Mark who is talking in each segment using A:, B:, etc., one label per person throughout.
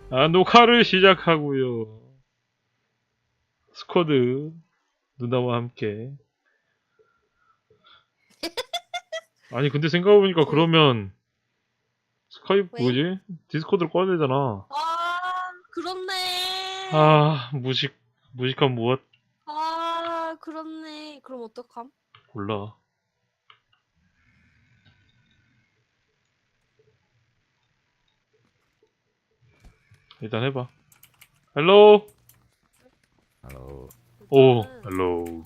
A: 아, 녹화를 시작하고요. 스쿼드 누나와 함께. 아니 근데 생각해보니까 그러면 스카이프
B: 왜?
A: 뭐지? 디스코드를 꺼야 되잖아.
B: 그렇네.
A: 아, 무식한 무엇?
B: 그렇네. 그럼 어떡함?
A: 몰라. 일단 해봐. 헬로.
C: 헬로.
A: 오,
B: 일단은
A: 헬로.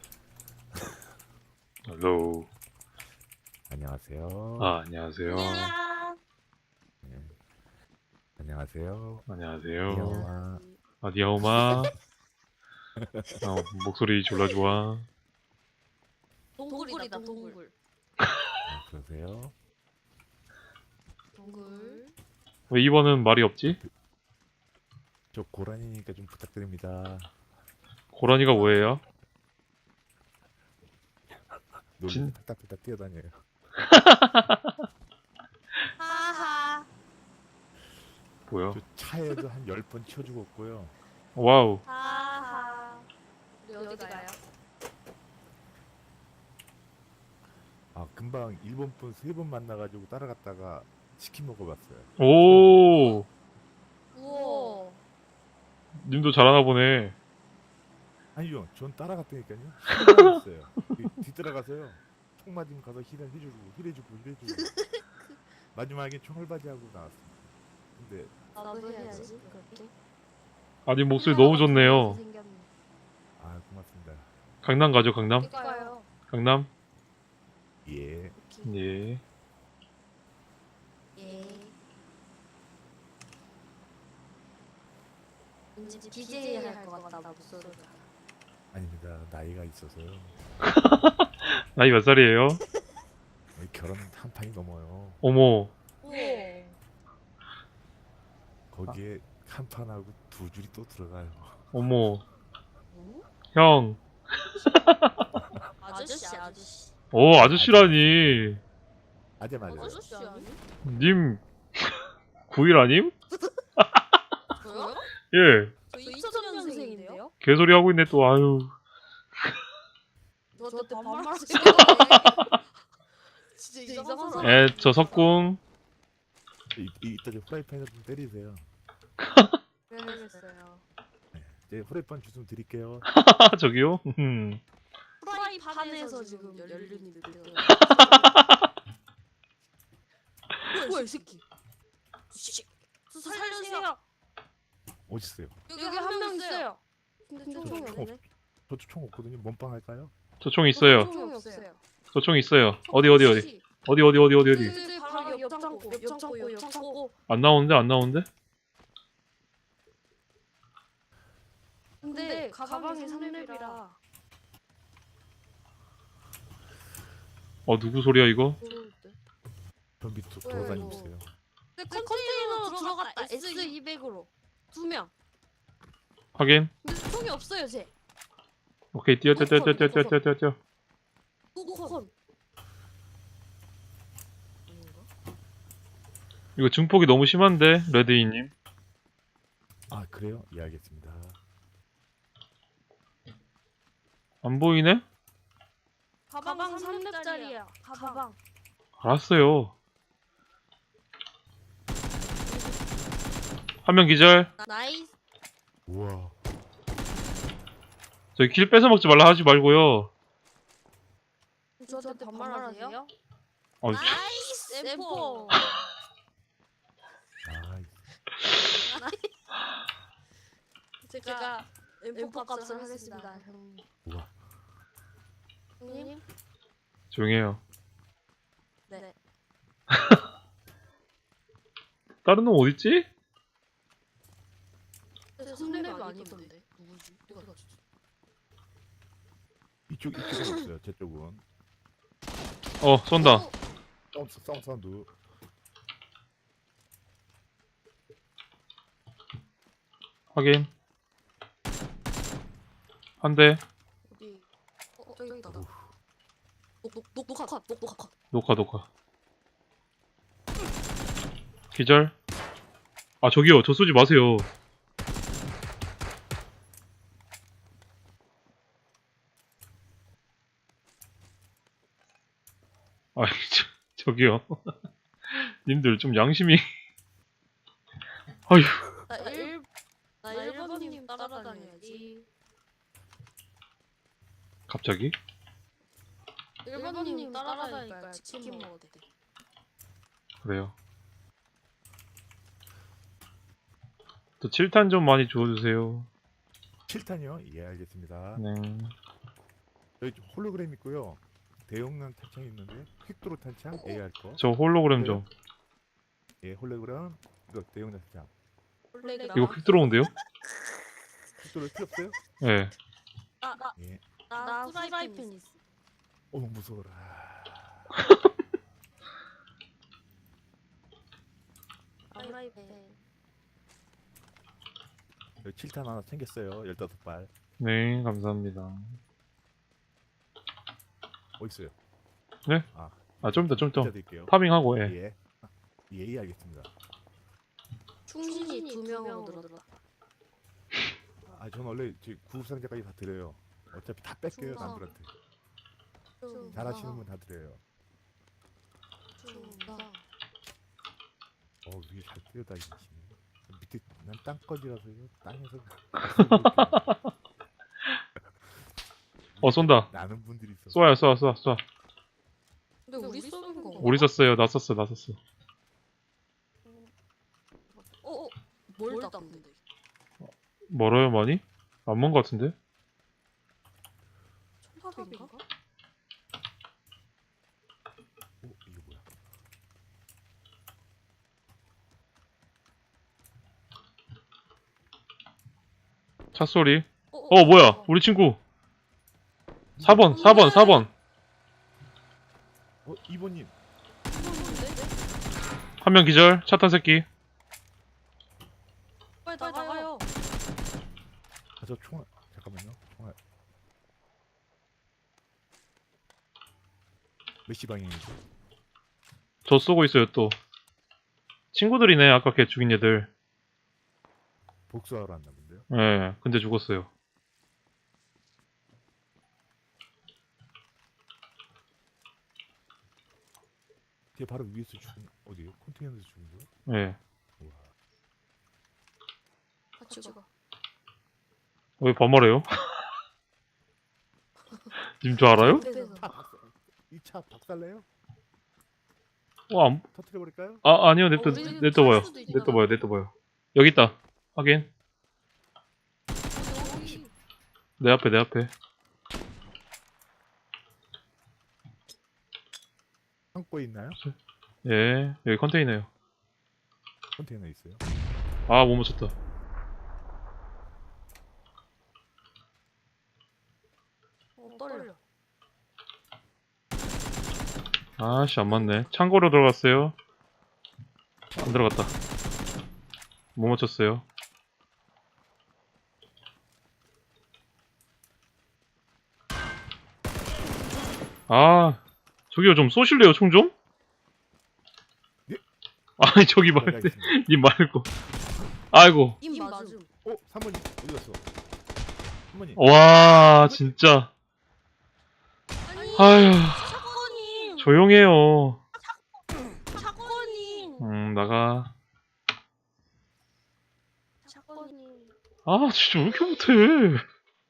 A: 헬로.
C: 안녕하세요.
A: 아, 안녕하세요.
B: 안녕.
C: 네. 안녕하세요.
A: 안녕하세요.
C: 니하오마.
A: 아, 니하오마. 목소리 졸라 좋아.
B: 동굴이다, 동굴.
C: 그러세요?
B: 동굴.
A: 왜 이번은 말이 없지?
C: 저 고라니니까 좀 부탁드립니다.
A: 고라니가 뭐예요?
C: 놀리면 탁탁탁탁 뛰어다녀요.
B: 하하.
A: 뭐야?
C: 저 차에도 한 10번 치워 죽었고요.
A: 와우.
B: 하하. 우리 어디 가요?
C: 아, 금방 일본 분 3번 만나가지고 따라갔다가 치킨 먹어봤어요.
A: 오,
B: 우와.
A: 님도 잘하나 보네.
C: 아니요, 전 따라갔다니까요. 힐만 있어요. 뒤따라가서요. 총 맞으면 가서 힐해주고. 마지막에 총알바지하고 나왔습니다. 근데
B: 나도 해야지. 그렇게.
A: 아님 목소리 너무 좋네요.
C: 아, 고맙습니다.
A: 강남 가죠, 강남?
B: 가요.
A: 강남?
C: 예.
A: 예.
B: 예. 왠지 DJ 할 것 같다 목소리가.
C: 아닙니다. 나이가 있어서요.
A: 나이 몇 살이에요?
C: 결혼 한 판이 넘어요.
A: 어머,
B: 우와.
C: 거기에 한 판하고 2줄이 또 들어가요.
A: 어머.
B: 뭐?
A: 형.
B: 아저씨.
A: 오, 아저씨라니.
C: 아재 맞아요.
B: 아저씨 아니?
A: 님, 9일 아님?
B: 저요?
A: 예.
B: 저 2000년생인데요?
A: 개소리 하고 있네, 또, 아유.
B: 저한테 반말하시네. 진짜 이상한 사람.
A: 에, 저 석궁.
C: 이따 저 프라이팬에 좀 때리세요.
B: 그래야겠어요.
C: 제 프라이팬 주좀 드릴게요.
A: 저기요?
B: 프라이팬에서 지금 연륜이 느껴요. 뭐야 이 새끼. 저 살려주세요.
C: 어딨어요?
B: 여기 한 명 있어요. 근데 총이 없네.
C: 저도 총 없거든요. 몸빵 할까요?
A: 저 총 있어요.
B: 총이 없어요.
A: 저 총 있어요. 어디? 어디?
B: 바로 옆창고.
A: 안 나오는데?
B: 근데 가방이 3렙이라.
A: 누구 소리야, 이거?
C: 전 밑으로 돌아다니고 있어요.
B: 근데 컨테이너로 들어갔다. S200으로 2명.
A: 확인.
B: 근데 총이 없어요, 쟤.
A: 오케이, 뛰어.
B: 우콘.
A: 이거 증폭이 너무 심한데, 레드이님.
C: 아, 그래요? 예, 알겠습니다.
A: 안 보이네?
B: 가방 3렙짜리야. 가방.
A: 알았어요. 한 명 기절.
B: 나이스.
C: 우와.
A: 저기 킬 뺏어먹지 말라 하지 말고요.
B: 저한테 반말하세요?
A: 어,
B: 나이스. 엠포. 제가 엠포 값을 하겠습니다, 형님.
C: 우와.
B: 형님?
A: 조용히 해요.
B: 네.
A: 다른 놈 어딨지?
B: 3렙 아니던데. 누구지? 누가 줬지?
C: 이쪽은 없어요. 제 쪽은.
A: 쏜다.
C: 사운드.
A: 확인. 한 대.
B: 어디? 저기 있다. 녹화.
A: 녹화. 기절. 아, 저기요. 저 쏘지 마세요. 아, 저기요. 님들 좀 양심이. 아휴.
B: 나 1번님 따라다녀야지.
A: 갑자기?
B: 1번님 따라다니까 치킨 먹어도 돼.
A: 그래요. 또 7탄 좀 많이 주워주세요.
C: 7탄이요? 예, 알겠습니다.
A: 네.
C: 여기 홀로그램 있고요. 대용량 탄창 있는데 퀵도로 탄창 AR 거.
A: 저 홀로그램 좀.
C: 예, 홀로그램 이거 대용량 탄창.
A: 이거 퀵 들어온대요?
C: 퀵도로 필요 없어요?
A: 네.
C: 예.
B: 나 후라이팬 있어.
C: 무서워라.
B: 후라이팬.
C: 여기 7탄 하나 챙겼어요. 15발.
A: 네, 감사합니다.
C: 어디 있어요?
A: 네?
C: 아,
A: 아, 좀 이따, 좀 이따.
C: 문자 드릴게요.
A: 파밍하고, 예.
C: 예. 예, 알겠습니다.
B: 충신이 2명으로 늘었다.
C: 아, 저는 원래 구급 상자까지 다 드려요. 어차피 다 뺏겨요,
B: 좋다.
C: 남들한테. 잘하시는 분 다 드려요. 위에 잘 뛰어다니시네. 밑에 난 땅거지라서요. 땅에서
A: 쏜다.
C: 나는 분들이 있어.
A: 쏘아요, 쏘아, 쏘아, 쏘아.
B: 근데 우리 쏘는 거.
A: 우리 썼어요. 나 썼어, 나 썼어.
B: 뭘 땄는데?
A: 멀어요, 많이? 안 먼 것 같은데?
B: 총탑인가?
C: 이게 뭐야?
A: 차 소리. 뭐야? 우리 친구. 4번, 4번, 4번.
C: 2번님.
A: 한 명 기절. 차 탄 새끼.
B: 빨리 나가요.
C: 저 총알. 잠깐만요. 총알. 몇 시 방향이죠?
A: 저 쏘고 있어요, 또. 친구들이네, 아까 걔 죽인 애들.
C: 복수하러 왔나 본데요.
A: 예, 근데 죽었어요.
C: 걔 바로 위에서 죽은 어디요? 컨테이너에서 죽은 거요?
A: 예.
C: 우와.
B: 같이 가.
A: 왜 반말해요? 님 저 알아요?
C: 이차 박살내요?
A: 안,
C: 터트려 버릴까요?
A: 아니요, 냅둬,
B: 우리
A: 냅둬봐요.
B: 탈 수도 있잖아.
A: 냅둬봐요, 냅둬봐요. 여기 있다. 확인.
B: 여기.
A: 내 앞에, 내 앞에.
C: 창고에 있나요?
A: 예, 여기 컨테이너요.
C: 컨테이너 있어요.
A: 아, 못 맞췄다.
B: 떨려.
A: 아씨, 안 맞네. 창고로 들어갔어요. 안 들어갔다. 못 맞췄어요. 아, 저기요, 좀 쏘실래요, 총 좀?
C: 예?
A: 아니, 저기 말고, 님 말고. 아이고.
B: 임 맞음.
C: 3번님 어디 갔어? 3번님.
A: 와, 진짜. 아휴,
B: 사건님.
A: 조용해요.
B: 사건님.
A: 나가.
B: 사건님.
A: 아, 진짜 왜 이렇게 못해.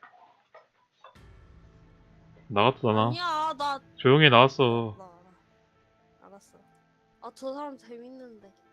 A: 나갔다, 나.
B: 아니야, 나
A: 조용히 나왔어.
B: 알았어. 아, 저 사람 재밌는데.